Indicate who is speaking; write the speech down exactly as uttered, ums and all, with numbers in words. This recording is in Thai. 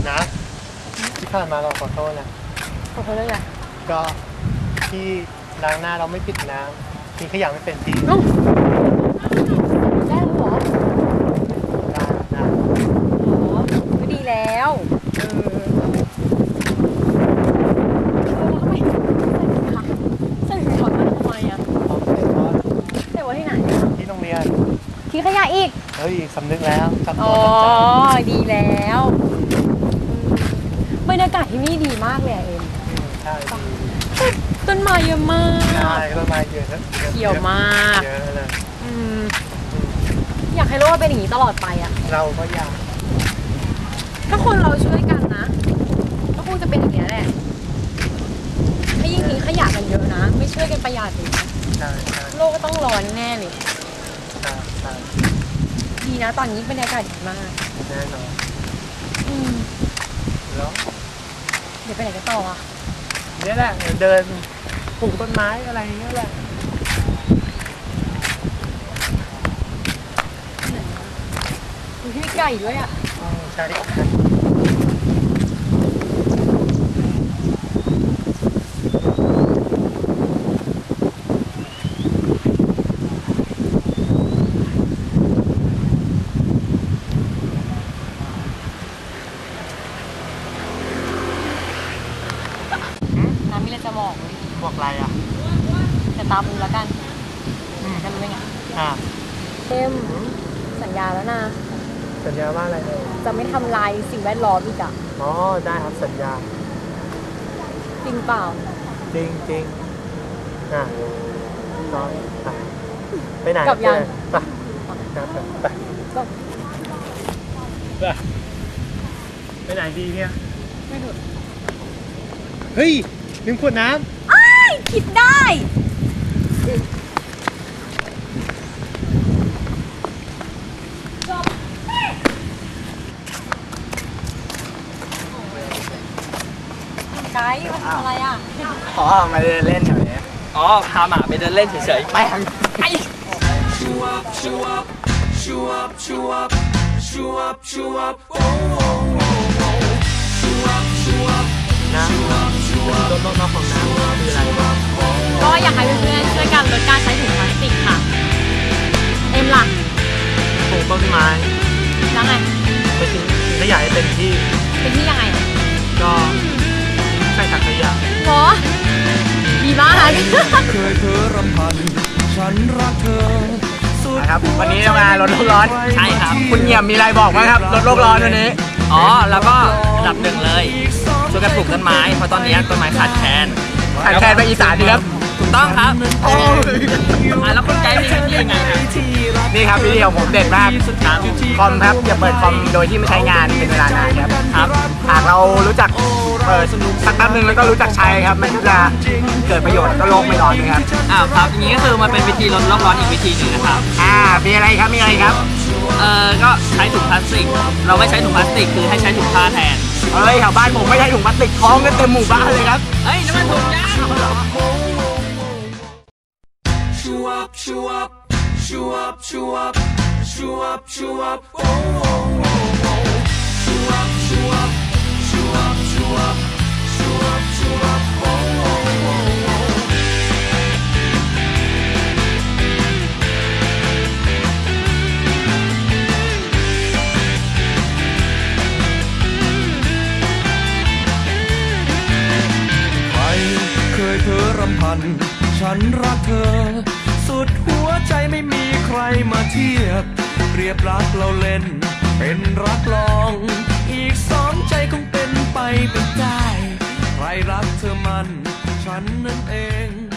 Speaker 1: นะที่ผ่านมาเราขอโทษนะ
Speaker 2: ขอโทษด้วยไง
Speaker 1: ก็ที่ล้างหน้าเราไม่ปิดน้ำทิ้งขยะไม่เป็นที
Speaker 2: ได้หรอ
Speaker 1: ได้ได้
Speaker 2: อ๋อไม่ดีแล้วเออใส่ถุงเท้าทำไมอ่ะใส่ไว้ที่ไหน
Speaker 1: ที่โรงเรียน
Speaker 2: ทิ้งขยะอีก
Speaker 1: เฮ้ยสำนึกแล้ว
Speaker 2: อ๋อดีแล้วบรรยากาศที่นี่ดีมากเลยเอ็ม
Speaker 1: ใช่
Speaker 2: ต้นไม้เยอะมาก
Speaker 1: ใช่ต้นไม้เยอะ
Speaker 2: เขียวมาก
Speaker 1: เยอะเลย
Speaker 2: อยากให้โลกเป็นอย่างนี้ตลอดไปอ่ะ
Speaker 1: เราก็อยาก
Speaker 2: ถ้าคนเราช่วยกันนะก็คงจะเป็นอย่างนี้แหละถ้ายิ่งทิ้งขยะกันเยอะนะไม่ช่วยกันประหยัดเลยโลกก็ต้องร้อนแน่เลย
Speaker 1: ใช่ใช่
Speaker 2: ดีนะตอนนี้บรรยากาศดีมาก
Speaker 1: แน่นอน
Speaker 2: อืม
Speaker 1: แล้ว
Speaker 2: เดี๋ยวไปไหนกันต่ออ่ะ
Speaker 1: นี่แหละเดินปลูกต้นไม้อะไรอย่างเงี้ยแหละ
Speaker 2: มีพี่ไก่ด้วยอ่ะ
Speaker 1: ใช่
Speaker 2: มีอะไรจะบอก
Speaker 1: บอกอะไรอ่ะ
Speaker 2: จะตามดูแล้วกันจะรู้ยังไง
Speaker 1: อ่า
Speaker 2: เอ็มสัญญาแล้วนะ
Speaker 1: สัญญาว่าอะไร
Speaker 2: จะไม่ทำลายสิ่งแวดล้อมอีกอ่ะ
Speaker 1: อ๋อได้ครับสัญญา
Speaker 2: จริงเปล่า
Speaker 1: จริงจริงอ่ะก็ไปไปไหน
Speaker 2: กับยัง
Speaker 1: ไปไปไปไปไหนดีเนี่ย
Speaker 2: ไม่ถูก
Speaker 1: เฮ้ยลืมขวดน้
Speaker 2: ำอ้ายคิดได้จบไกด์มาทำอะไรอ่ะ
Speaker 3: อ๋อมาเดินเล่นแถวนี้อ๋อพาหมาไปเดินเล่นเฉยๆไปทางไป
Speaker 1: นะรถน้องของน้ำคืออะไร
Speaker 2: ก็อยากให้เพื่อนๆช่วยกันลดการใช้ถุงพลาสติกค่ะเอ็มล่ะ
Speaker 1: ปลูกต้นไม้
Speaker 2: แล้วไง
Speaker 1: ไปทิ้งขยะให้เป็นที่
Speaker 2: เป็นที่ยังไง
Speaker 1: ก็ใส่ถังขยะ
Speaker 2: หรอดีมาก
Speaker 3: เคยเธอรำพันฉันรักเธอครับวันนี้มาลดโลกร้อนใช่ครับคุณเงี่ยมมีอะไรบอกไหมครับลดโลกร้อนวันนี้อ๋อแล้วก็ดับหนึ่งเลยช่วยกันปลูกต้นไม้เพราะตอนนี้ต้นไม้ขาดแคลนขาดแคลนไปอีสานดีครับถูกต้องครับโอ้ยแล้วคุณไกด์มีวิธียังไงครับนี่ครับวิธีของผมเด็ดมากครับคอมครับอย่าเปิดคอมโดยที่ไม่ใช้งานเป็นเวลานานครับครับหากเรารู้จักเปิดสักแป๊บนึงแล้วก็รู้จักใช้ครับมันก็จะเกิดประโยชน์แล้วก็โลกไม่ร้อนนะครับอ้าวครับอย่างนี้ก็คือมันเป็นวิธีลดโลกร้อนอีกวิธีหนึ่งนะครับอ่ามีอะไรครับมีอะไรครับเอ่อก็ใช้ถุงพลาสติกเราไม่ใช้ถุงพลาสติกคือให้ใช้ถุงผ้าแทนเฮ้ยแถวบ้านผมไม่ใช้ถุงพลาสติกท้องกันเต็มหมู่บ้านเลยครับเฮ้ยน้ำมันถุงยางชูอัพชูอัพชูอัพชูอัพชูอัพชูอัพโอ้โหชูอัพชูอัพชูอัพชูอัพชูอัพชูอัพโอ้โหเคยเธอรำพันฉันรักเธอสุดหัวใจไม่มีใครมาเทียบเปรียบรักเราเล่นเป็นรักลองอีกสองใจคงเป็นไปเป็นได้ใครรักเธอมันฉันนั่นเอง